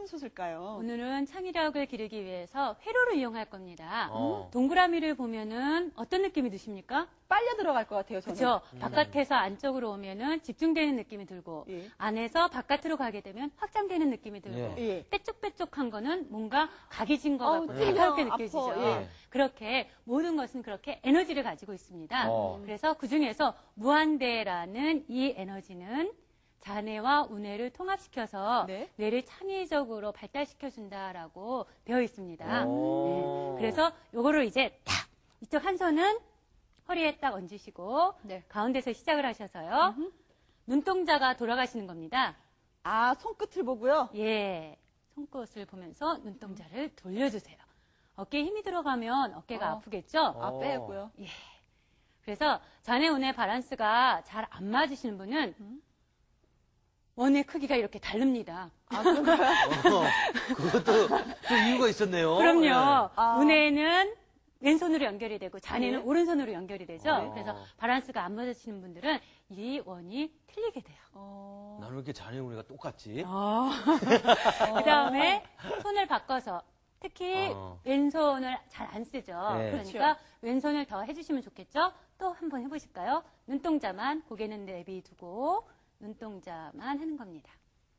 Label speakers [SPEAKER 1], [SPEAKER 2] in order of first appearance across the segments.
[SPEAKER 1] 숫을까요?
[SPEAKER 2] 오늘은 창의력을 기르기 위해서 회로를 이용할 겁니다. 동그라미를 보면은 어떤 느낌이 드십니까?
[SPEAKER 1] 빨려 들어갈 것 같아요, 저는.
[SPEAKER 2] 그렇죠. 바깥에서 안쪽으로 오면은 집중되는 느낌이 들고
[SPEAKER 1] 예.
[SPEAKER 2] 안에서 바깥으로 가게 되면 확장되는 느낌이 들고
[SPEAKER 1] 예.
[SPEAKER 2] 빼쪽빼쪽한 거는 뭔가 각이 진 것 같고
[SPEAKER 1] 찔려,
[SPEAKER 2] 날카롭게
[SPEAKER 1] 아파.
[SPEAKER 2] 느껴지죠.
[SPEAKER 1] 예.
[SPEAKER 2] 그렇게 모든 것은 그렇게 에너지를 가지고 있습니다. 그래서 그중에서 무한대라는 이 에너지는 자뇌와 우뇌를 통합시켜서
[SPEAKER 1] 네.
[SPEAKER 2] 뇌를 창의적으로 발달시켜준다라고 되어 있습니다. 네. 그래서 요거를 이제 딱 이쪽 한 손은 허리에 딱 얹으시고
[SPEAKER 1] 네.
[SPEAKER 2] 가운데서 시작을 하셔서요. 눈동자가 돌아가시는 겁니다.
[SPEAKER 1] 아, 손끝을 보고요?
[SPEAKER 2] 예, 손끝을 보면서 눈동자를 돌려주세요. 어깨에 힘이 들어가면 어깨가 아프겠죠?
[SPEAKER 1] 아, 빼고요.
[SPEAKER 2] 예. 그래서 자뇌 우뇌 밸런스가 잘 안 맞으시는 분은 원의 크기가 이렇게 다릅니다.
[SPEAKER 1] 아, 그런가요?
[SPEAKER 3] 그것도 좀 이유가 있었네요.
[SPEAKER 2] 그럼요.
[SPEAKER 3] 네.
[SPEAKER 2] 우뇌는 왼손으로 연결이 되고 자뇌는
[SPEAKER 1] 네.
[SPEAKER 2] 오른손으로 연결이 되죠. 그래서 밸런스가 안 맞으시는 분들은 이 원이 틀리게 돼요.
[SPEAKER 3] 나는 왜 이렇게 자네 우리가 똑같지?
[SPEAKER 2] 그 다음에 손을 바꿔서 특히 왼손을 잘 안 쓰죠.
[SPEAKER 3] 네.
[SPEAKER 2] 그러니까 왼손을 더 해주시면 좋겠죠. 또 한번 해보실까요? 눈동자만 고개는 내비두고 눈동자만 하는 겁니다.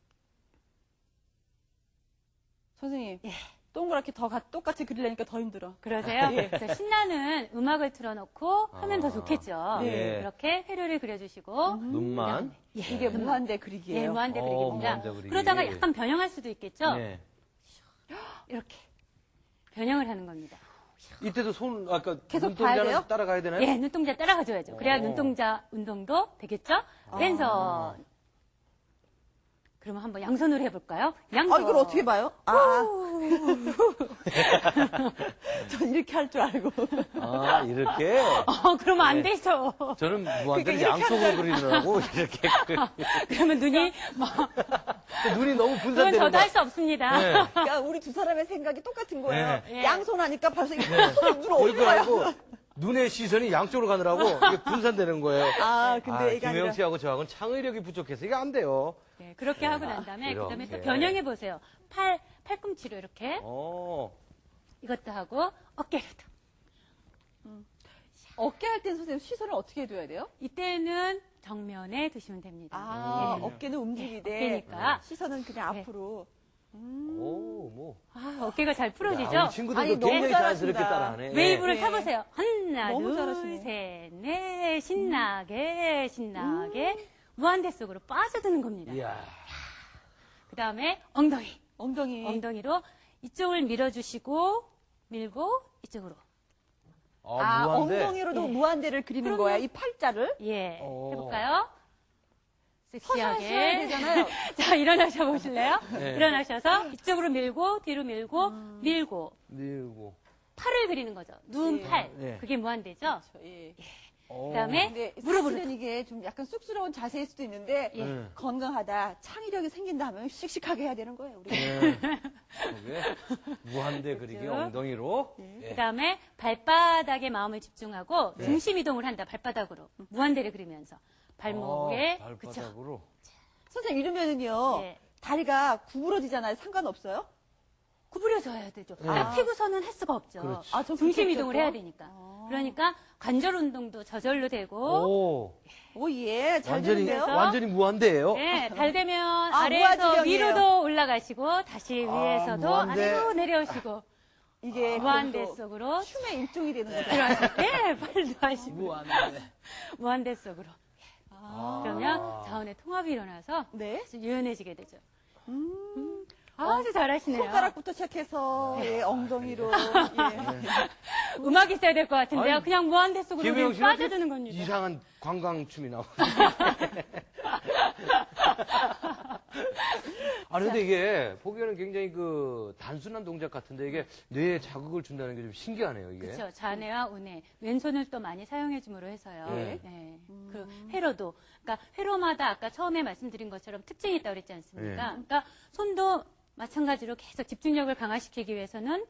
[SPEAKER 1] 선생님. 동그랗게 더 똑같이 그리려니까 더 힘들어.
[SPEAKER 2] 그러세요? 그래서 신나는 음악을 틀어놓고 하면 더 좋겠죠.
[SPEAKER 3] 네.
[SPEAKER 2] 이렇게 회로를 그려주시고
[SPEAKER 3] 눈만.
[SPEAKER 1] 이게 무한대 그리기예요.
[SPEAKER 2] 예, 무한대 그리기입니다.
[SPEAKER 3] 무한대 그리기.
[SPEAKER 2] 그러다가 약간 변형할 수도 있겠죠.
[SPEAKER 3] 네.
[SPEAKER 2] 이렇게 변형을 하는 겁니다.
[SPEAKER 3] 이때도 손, 아까
[SPEAKER 1] 계속 봐야
[SPEAKER 3] 눈동자는
[SPEAKER 1] 돼요?
[SPEAKER 3] 따라가야 되나요?
[SPEAKER 2] 예, 눈동자 따라가줘야죠. 그래야 눈동자 운동도 되겠죠? 왼손. 그러면 한번 양손으로 해볼까요? 양손.
[SPEAKER 1] 아, 이걸 어떻게 봐요? 전 이렇게 할 줄 알고.
[SPEAKER 3] 아, 이렇게?
[SPEAKER 2] 그러면 안 되죠.
[SPEAKER 3] 저는 무한대를 양쪽으로 그리느라고 이렇게.
[SPEAKER 2] 그러면 눈이 막.
[SPEAKER 3] 눈이 너무
[SPEAKER 2] 그건
[SPEAKER 3] 분산되는
[SPEAKER 2] 저도
[SPEAKER 3] 거야.
[SPEAKER 2] 할 수 없습니다.
[SPEAKER 3] 네.
[SPEAKER 1] 그러니까 우리 두 사람의 생각이 똑같은 거예요.
[SPEAKER 2] 네.
[SPEAKER 1] 양손 하니까 벌써 이게 눈 어디
[SPEAKER 3] 그거
[SPEAKER 1] 가요?
[SPEAKER 3] 알고 눈의 시선이 양쪽으로 가느라고 이게 분산되는 거예요.
[SPEAKER 1] 아, 근데 이게
[SPEAKER 3] 김혜영
[SPEAKER 1] 아니라.
[SPEAKER 3] 씨하고 저하고는 창의력이 부족해서 이게 안 돼요.
[SPEAKER 2] 네, 그렇게 하고 난 다음에
[SPEAKER 3] 이렇게.
[SPEAKER 2] 그다음에 또 변형해 보세요. 팔꿈치로 이렇게 이것도 하고 어깨로도.
[SPEAKER 1] 어깨 할 땐 선생님 시선을 어떻게 해둬야 돼요?
[SPEAKER 2] 이때는 정면에 두시면 됩니다.
[SPEAKER 1] 아,
[SPEAKER 2] 예.
[SPEAKER 1] 어깨는 움직이되
[SPEAKER 2] 어깨니까.
[SPEAKER 1] 시선은 그냥
[SPEAKER 2] 네.
[SPEAKER 1] 앞으로.
[SPEAKER 2] 어깨가 잘 풀어지죠?
[SPEAKER 3] 우리 친구들도
[SPEAKER 1] 아니, 너무
[SPEAKER 3] 굉장히 자연스럽게
[SPEAKER 1] 잘하신다.
[SPEAKER 3] 따라하네.
[SPEAKER 2] 웨이브를
[SPEAKER 1] 네.
[SPEAKER 2] 타보세요. 하나,
[SPEAKER 1] 너무
[SPEAKER 2] 둘,
[SPEAKER 1] 잘하시네.
[SPEAKER 2] 셋, 넷, 신나게, 무한대 속으로 빠져드는 겁니다.
[SPEAKER 3] 이야.
[SPEAKER 2] 그 다음에 엉덩이.
[SPEAKER 1] 엉덩이로
[SPEAKER 2] 이쪽을 밀어주시고, 밀고, 이쪽으로.
[SPEAKER 3] 무한대.
[SPEAKER 1] 엉덩이로도 무한대를 그리는 거야. 이 팔자를.
[SPEAKER 2] 예.
[SPEAKER 3] 오.
[SPEAKER 2] 해볼까요?
[SPEAKER 1] 서서 하셔야
[SPEAKER 2] 섹시하게.
[SPEAKER 1] 되잖아요.
[SPEAKER 2] 자, 일어나셔 보실래요?
[SPEAKER 3] 네.
[SPEAKER 2] 일어나셔서 이쪽으로 밀고, 뒤로 밀고, 밀고.
[SPEAKER 3] 밀고.
[SPEAKER 2] 팔을 그리는 거죠. 눈,
[SPEAKER 1] 예.
[SPEAKER 2] 팔.
[SPEAKER 3] 네.
[SPEAKER 2] 그게 무한대죠?
[SPEAKER 1] 예.
[SPEAKER 2] 그 다음에
[SPEAKER 1] 근데
[SPEAKER 2] 무릎으로.
[SPEAKER 1] 사실은 이게 좀 약간 쑥스러운 자세일 수도 있는데
[SPEAKER 2] 예.
[SPEAKER 1] 건강하다, 창의력이 생긴다 하면 씩씩하게 해야 되는 거예요. 우리.
[SPEAKER 3] 그게 무한대 그리기
[SPEAKER 2] 그렇죠.
[SPEAKER 3] 엉덩이로.
[SPEAKER 2] 그 다음에 발바닥에 마음을 집중하고 중심 이동을 한다, 발바닥으로. 무한대를 그리면서. 발목에. 그쵸.
[SPEAKER 3] 발바닥으로.
[SPEAKER 1] 선생님 이러면은요.
[SPEAKER 2] 예.
[SPEAKER 1] 다리가 구부러지잖아요. 상관없어요?
[SPEAKER 2] 구부려져야 되죠. 딱 피고서는 할 수가 없죠.
[SPEAKER 3] 그렇지.
[SPEAKER 1] 아, 저
[SPEAKER 2] 중심
[SPEAKER 1] 그렇겠죠,
[SPEAKER 2] 이동을
[SPEAKER 1] 또?
[SPEAKER 2] 해야 되니까. 그러니까 관절 운동도 저절로 되고.
[SPEAKER 1] 오, 예. 잘
[SPEAKER 3] 완전히,
[SPEAKER 1] 되는데요?
[SPEAKER 3] 완전히 무한대예요.
[SPEAKER 2] 네, 잘 되면
[SPEAKER 1] 아,
[SPEAKER 2] 아래에서
[SPEAKER 1] 무한지경이에요.
[SPEAKER 2] 위로도 올라가시고 다시 위에서도
[SPEAKER 3] 무한대.
[SPEAKER 2] 아래로 내려오시고
[SPEAKER 1] 이게
[SPEAKER 2] 무한대
[SPEAKER 1] 그것도
[SPEAKER 2] 속으로
[SPEAKER 1] 춤의 일종이 되는 거죠.
[SPEAKER 2] 들어가실 때 팔도 하시고
[SPEAKER 3] 무한대.
[SPEAKER 2] 무한대 속으로. 그러면 자원의 통합이 일어나서
[SPEAKER 1] 네.
[SPEAKER 2] 아주 유연해지게 되죠. 아주 잘하시네요.
[SPEAKER 1] 손가락부터 시작해서 예, 엉덩이로 예.
[SPEAKER 2] 음악이 있어야 될 것 같은데요.
[SPEAKER 3] 아니,
[SPEAKER 2] 그냥 무한대 속으로
[SPEAKER 3] 김혜영
[SPEAKER 2] 그냥
[SPEAKER 3] 씨는
[SPEAKER 2] 빠져드는 겁니다.
[SPEAKER 3] 이상한 관광춤이 나오네. 아니, 근데 이게 보기에는 굉장히 그 단순한 동작 같은데 이게 뇌에 자극을 준다는 게 좀 신기하네요, 이게.
[SPEAKER 2] 그렇죠. 자뇌와 우뇌. 왼손을 또 많이 사용해줌으로 해서요.
[SPEAKER 3] 네.
[SPEAKER 2] 네. 그 회로도. 그러니까 회로마다 아까 처음에 말씀드린 것처럼 특징이 있다고 그랬지 않습니까?
[SPEAKER 3] 네.
[SPEAKER 2] 그러니까 손도 마찬가지로 계속 집중력을 강화시키기 위해서는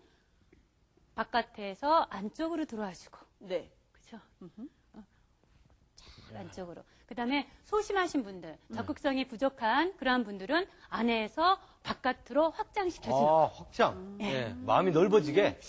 [SPEAKER 2] 바깥에서 안쪽으로 들어와주고.
[SPEAKER 1] 네.
[SPEAKER 2] 그렇죠. 안쪽으로. 그 다음에 소심하신 분들, 적극성이 부족한 그러한 분들은 안에서 바깥으로 확장시켜주는.
[SPEAKER 3] 아, 확장. 예. 마음이 넓어지게.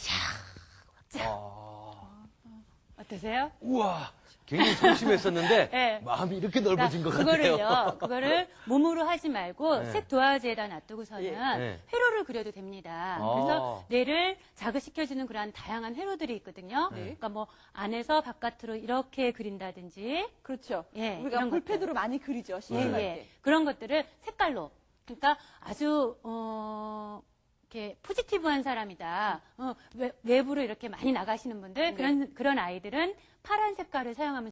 [SPEAKER 2] 어떠세요?
[SPEAKER 3] 우와. 굉장히 소심했었는데
[SPEAKER 2] 네.
[SPEAKER 3] 마음이 이렇게 넓어진 것 같아요.
[SPEAKER 2] 그거를 몸으로 하지 말고
[SPEAKER 3] 네.
[SPEAKER 2] 색 도화지에다 놔두고서는
[SPEAKER 3] 네.
[SPEAKER 2] 회로를 그려도 됩니다. 그래서 뇌를 자극시켜주는 그러한 다양한 회로들이 있거든요. 그러니까 뭐 안에서 바깥으로 이렇게 그린다든지
[SPEAKER 1] 그렇죠.
[SPEAKER 2] 예,
[SPEAKER 1] 우리가
[SPEAKER 2] 이런
[SPEAKER 1] 볼펜으로 많이 그리죠. 심심할 때.
[SPEAKER 2] 그런 것들을 색깔로. 그러니까 아주 이렇게 포지티브한 사람이다. 외부로 이렇게 많이 나가시는 분들 그런 아이들은 파란 색깔을 사용하면